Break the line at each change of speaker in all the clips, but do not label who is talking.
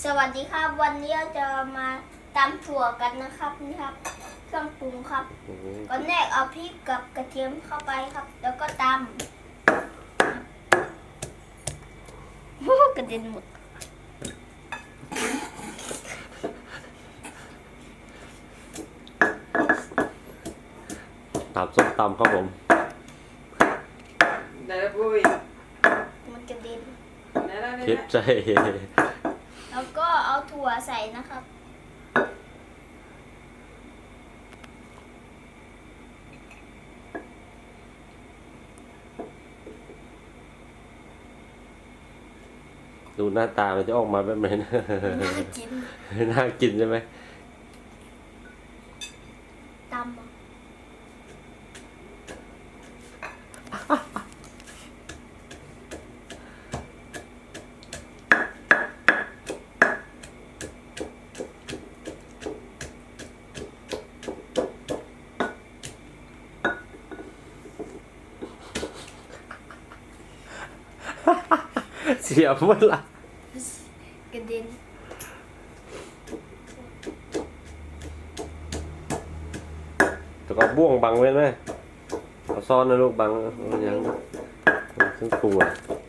สวัสดีครับวันนี้เราจะมาตำถั่วกันนะครับนี่ครับเครื่องปรุงครับก่อนแรกเอาพริกกับกระเทียมเข้าไปครับ แล้วก็ตำกระเด็นหมด
ตำส้มตำครับผม
ได้แล้วปุ้ย
มันกระเด็น
ได้แล้ว
คิดใจ
แล้วก็เอาถั่วใส่นะครับ
ดูหน้าตามันจะออกมาแบบไหนนะ
น่ากิน
น่ากินใช่ไหม
ตำ
เสียเมื่อไหร่
กระเด็น
แต่ก็บ้วงบังไว้ไหมเอาซ่อนนะลูกบังยังซึ่งปรุงอ่ะ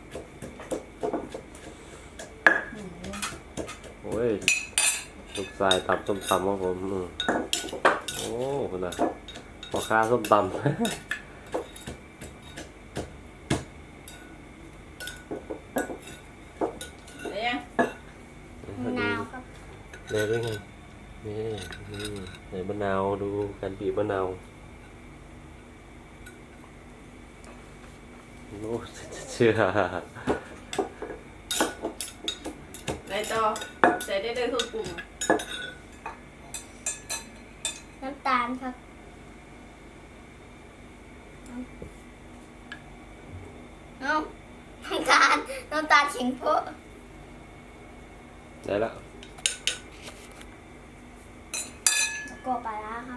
โอ้ยลูกชายตำส้มตำครับผมโอ้คุณน่ะพ่อค้าส้มตำ
มะนาวครับ
เลยได้ไงนี่ใส่มะนาวดูการบีบมะนาวโอ้เชื่อ
ได้ต่อใส่ได้เลยเครื่องปรุง
น้ำตาลครับเอาน้ำตาลขิงโพะ
ได้แล้ว
แล้วก็ปลาร้าครับ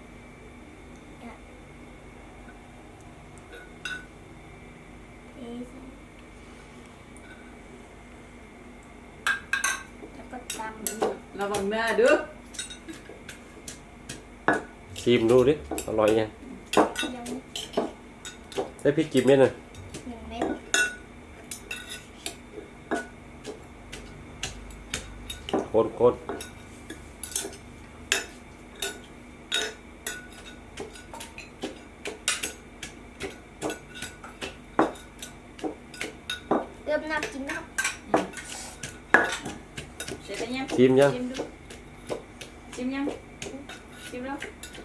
แล้วก็ตำ
ระวังหน้าด้วย
ชิมดูดิอร่อยยังได้พริกกี่เม็ดน่ะ
1 เม็ด
คน
เริ่มน่ากินแล้ว
เสร็จแล้วยัง
ชิมยัง
ชิมดูชิมยังชิมแล้ว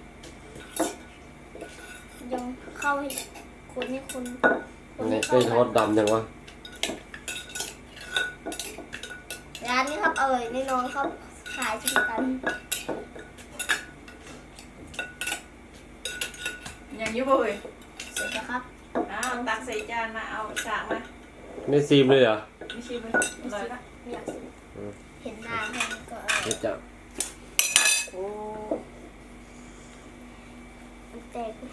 ยังเข้าให้คนให้คน
นี่
ให้
ได้ทอดดำยังวะ
ร้านนี้ครับอร่อยแน่นอนครับขายเช่นกัน
ยังอยู่ปุ้ย
เสร็จแล้วครับ
อ้าวตักใส่จานมาเอาฉากมา
ไม่ชิมเลยเหรอ
ไม่ชิมเลยอร่อยละ
ไม่อยากซื้อเห็นหน้าแค่นี้ก็อร่อย
เดี๋ยวจะ
โอ้
มันแตก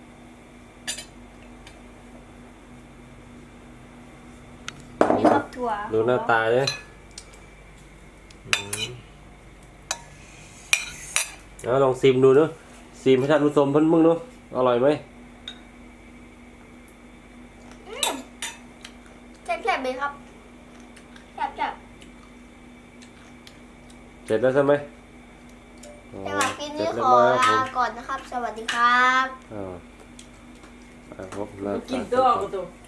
นี่ครับถั่ว
ดูหน้าตาเนี่ยแล้วลองชิมดูเนอะชิมให้ท่านผู้ชมเพิ่นมึงเนอะอร่อยไหม
แซ่บๆเลยครับแซ่บ
เสร็จแล้วใช่ไหม
ๆแต่ว่าคลิปนี้
เสร็จ
ข
เรียบ
อ
ร้อยครับผม
ลาก่อนนะครับ สวัสดีครับ
อ่าครับ
กินตัวกูตัว